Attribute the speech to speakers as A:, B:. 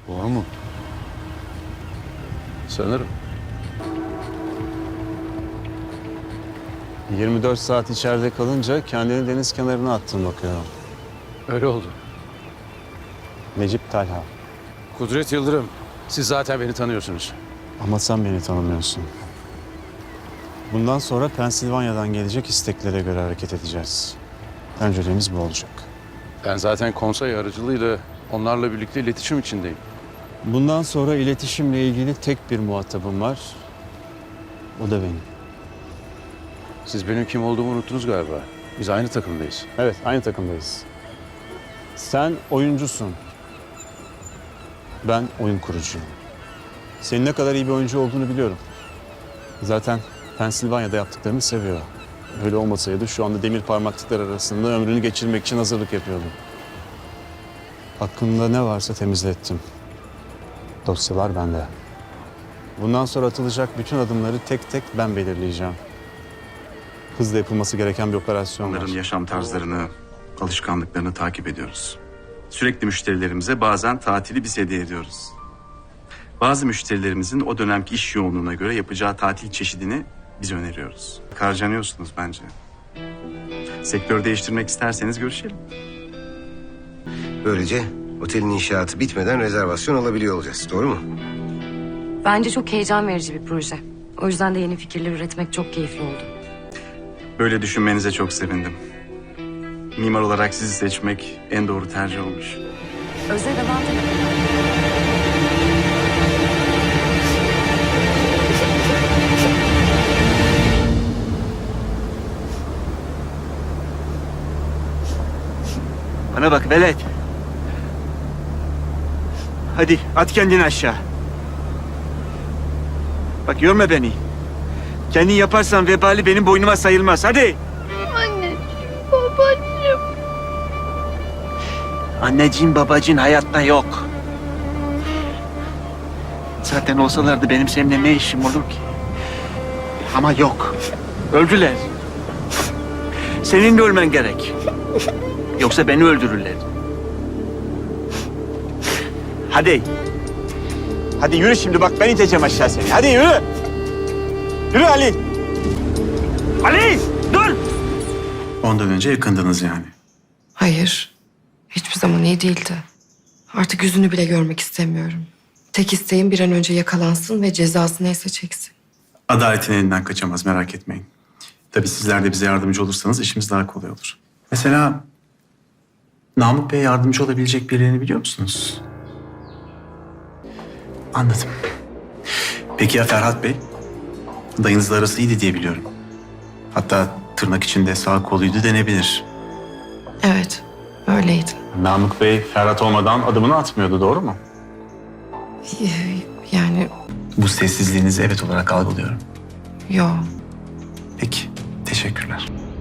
A: Doğru mu?
B: Sanırım.
A: 24 saat içeride kalınca kendini deniz kenarına attın bakıyorum.
B: Öyle oldu.
A: Necip Talha.
B: Kudret Yıldırım, siz zaten beni tanıyorsunuz.
A: Ama sen beni tanımıyorsun. Bundan sonra Pensilvanya'dan gelecek isteklere göre hareket edeceğiz. Önceliğimiz bu olacak.
B: Ben zaten konsey aracılığıyla onlarla birlikte iletişim içindeyim.
A: Bundan sonra iletişimle ilgili tek bir muhatabım var. O da benim.
B: Siz benim kim olduğumu unuttunuz galiba. Biz aynı takımdayız.
A: Evet, aynı takımdayız. Sen oyuncusun. Ben oyun kurucuyum. Senin ne kadar iyi bir oyuncu olduğunu biliyorum. Zaten Pensilvanya'da yaptıklarını seviyor. Öyle olmasaydı şu anda demir parmaklıklar arasında ömrünü geçirmek için hazırlık yapıyordu. Hakkında ne varsa temizlettim. Dosyalar bende. Bundan sonra atılacak bütün adımları tek tek ben belirleyeceğim. Hızla yapılması gereken bir operasyon var.
C: Onların yaşam tarzlarını, alışkanlıklarını takip ediyoruz. Sürekli müşterilerimize bazen tatili biz hediye ediyoruz. Bazı müşterilerimizin o dönemki iş yoğunluğuna göre yapacağı tatil çeşidini biz öneriyoruz. Harcanıyorsunuz bence. Sektör değiştirmek isterseniz görüşelim.
D: Böylece otelin inşaatı bitmeden rezervasyon alabiliyor olacağız. Doğru mu?
E: Bence çok heyecan verici bir proje. O yüzden de yeni fikirler üretmek çok keyifli oldu.
C: Böyle düşünmenize çok sevindim. Mimar olarak sizi seçmek en doğru tercih olmuş.
E: Özde devam edelim.
F: Bana bak velet. Hadi at kendini aşağı. Bak yorma beni. Kendin yaparsan vebali benim boynuma sayılmaz. Hadi.
G: Anneciğim, babacığım.
F: Anneciğin babacığın hayatta yok. Zaten olsalardı benim seninle ne işim olur ki? Ama yok. Öldüler. Senin de ölmen gerek. Yoksa beni öldürürler. Hadi. Hadi yürü şimdi bak ben iteceğim aşağı seni. Hadi yürü. Yürü Ali. Ali dur.
C: Ondan önce yakındınız yani.
H: Hayır. Hiçbir zaman iyi değildi. Artık yüzünü bile görmek istemiyorum. Tek isteğim bir an önce yakalansın ve cezası neyse çeksin.
C: Adaletin elinden kaçamaz, merak etmeyin. Tabii sizler de bize yardımcı olursanız işimiz daha kolay olur. Mesela Namık Bey'e yardımcı olabilecek birilerini biliyor musunuz? Anladım. Peki ya Ferhat Bey? Dayınızla arası iyiydi diye biliyorum. Hatta tırnak içinde sağ koluydu denebilir.
H: Evet, öyleydi.
A: Namık Bey Ferhat olmadan adımını atmıyordu, doğru mu?
H: Yani
C: Bu sessizliğinizi evet olarak algılıyorum.
H: yo.
C: Peki, teşekkürler.